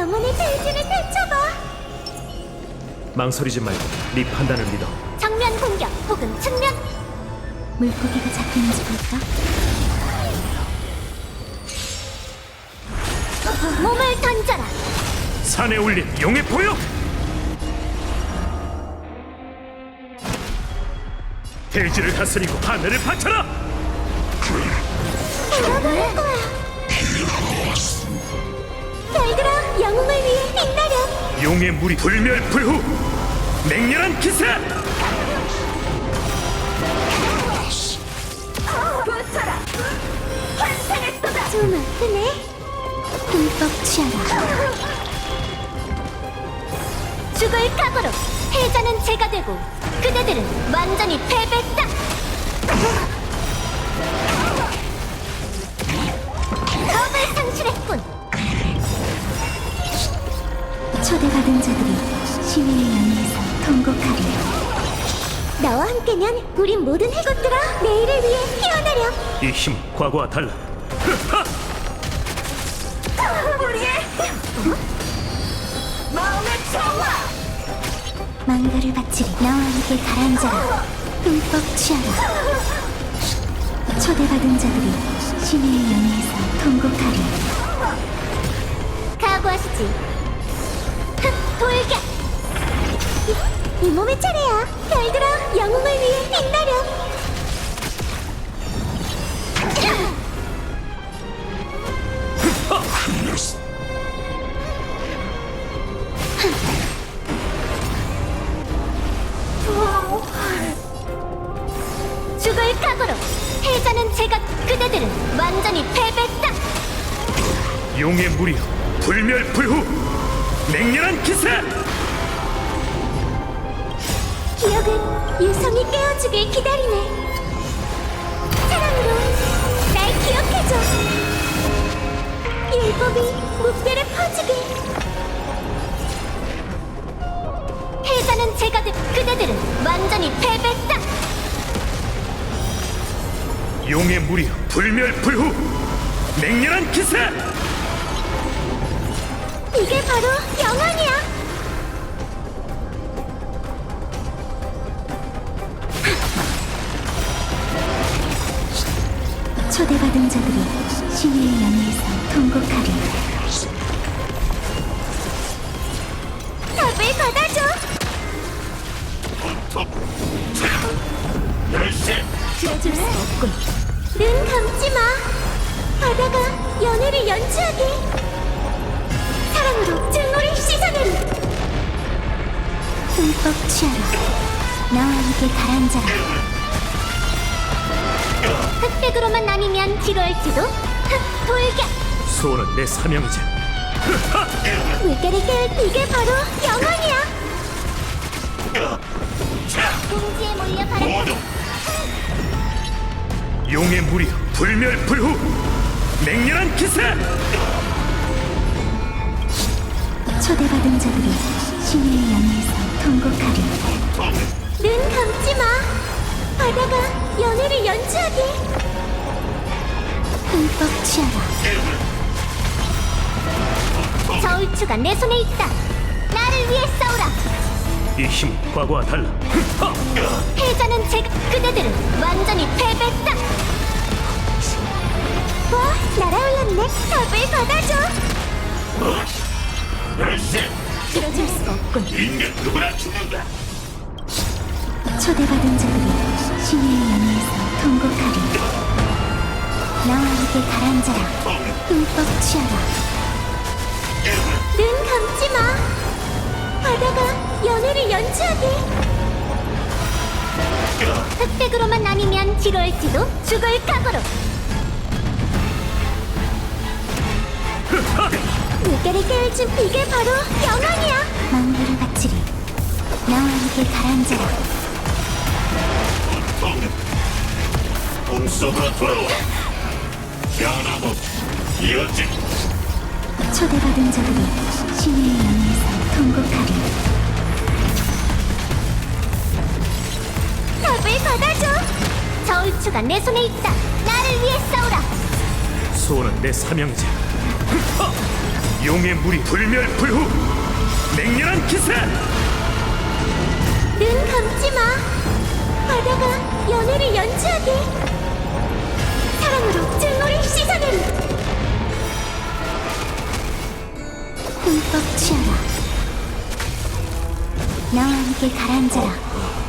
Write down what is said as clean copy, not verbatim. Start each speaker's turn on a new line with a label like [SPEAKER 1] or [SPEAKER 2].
[SPEAKER 1] 영혼의 대지를 펼쳐봐.
[SPEAKER 2] 망설이지 말고 네 판단을 믿어.
[SPEAKER 1] 정면 공격 혹은 측면. 물고기가 잡히는지 볼까? 몸을 던져라.
[SPEAKER 2] 산에 올린 용의 포효! 대지를 다스리고 하늘을 바쳐라!
[SPEAKER 1] 돌아버릴 거야. 별들아, 영웅을 위해 빛나렴.
[SPEAKER 2] 용의 물이 불멸불후! 맹렬한 기세!
[SPEAKER 1] 붙어라. 환상했도다. 좀 아프네. 흠뻑 취하라. 죽을 각오로 패자는 제가 되고 그대들은 완전히 패배다. 겁을 상실했군. 초대받은 자들이 시민의 연회에서 통곡하리. 나와 함께면 우린 모든 해골들아 내일을 위해 피어나렴.
[SPEAKER 2] 이 힘은 과거와 달라.
[SPEAKER 1] 우리의 마음의 평화. 망가를 바치리. 나와 함께 가라앉아라. 흠뻑 취하라. 초대받은 자들이 신의 연회에서 통곡하리. 각오하시지. 흑 돌격. 이 몸의 차례야. 별들아, 영웅을 위해 빛나렴. 죽을 각오로 패자는 제가 그대들은 완전히 패배다.
[SPEAKER 2] 용의 물이여 불멸불후! 맹렬한 기세!
[SPEAKER 1] 기억은 유성이 깨워주길 기다리네. 사랑으로 날 기억해줘. 율법이 무뼈를 퍼주길. 패자는 제가 그대들은 완전히 패배다.
[SPEAKER 2] 용의 물이여 불멸불후! 맹렬한 기세!
[SPEAKER 1] 이게 바로 영원이야. 초대받은 자들이 신의 연회에서 통곡하리. 답을 받아줘. 들어줄 수 없군. 눈 감지 마. 바다가 연애를 연주하게. 사랑으로 증오를 씻어내리. 흠뻑 취하라. 나와 함께 가라앉아라. 흑백으로만 나뉘면 지루할지도. 흑 돌격.
[SPEAKER 2] 소원은 내 사명이지.
[SPEAKER 1] 물결을 깨울 이게 바로 영원이야. 공지에 몰려 가라.
[SPEAKER 2] 용의 물이여 불멸불후! 맹렬한 기세!
[SPEAKER 1] 초대받은 자들이 신의 연회에서 통곡하리. 눈 감지 마. 바다가 연애를 연주하게. 흠뻑 취하라. 저울추가 내 손에 있다. 나를 위해 싸우라.
[SPEAKER 2] 이 힘은 과거와 달라.
[SPEAKER 1] 패자는 제가 그대들은 완전히 패배다. 와, 날아올랐네. 답을 받아줘. 들어줄 수가 없군.
[SPEAKER 2] 인간 누구나 죽는다.
[SPEAKER 1] 초대받은 자들이 신의 연회에서 통곡하리. 나와 함께 가라앉아라. 흠뻑 취하라. 눈 감지 마. 바다가 연애를 연주하게. 흑백으로만 나뉘면 지루할지도. 죽을 각오로. 물결을 깨울 준 이게 바로 영원이야. 망부를 바치리. 나와 함께 가라앉아라.
[SPEAKER 2] 몸속으로 돌아와. 변함없 이어지.
[SPEAKER 1] 초대받은 자들이 신의 연회에서 통곡하리. 답을 받아줘. 저울추가 내 손에 있다. 나를 위해 싸우라.
[SPEAKER 2] 소원은 내 사명이지. 용의 물이 불멸불후 맹렬한 기세.
[SPEAKER 1] 눈 감지 마. 바다가 연애를 연주하게. 사랑으로 증오를 씻어내리. 흠뻑 취하라. 나와 함께 가라앉아라.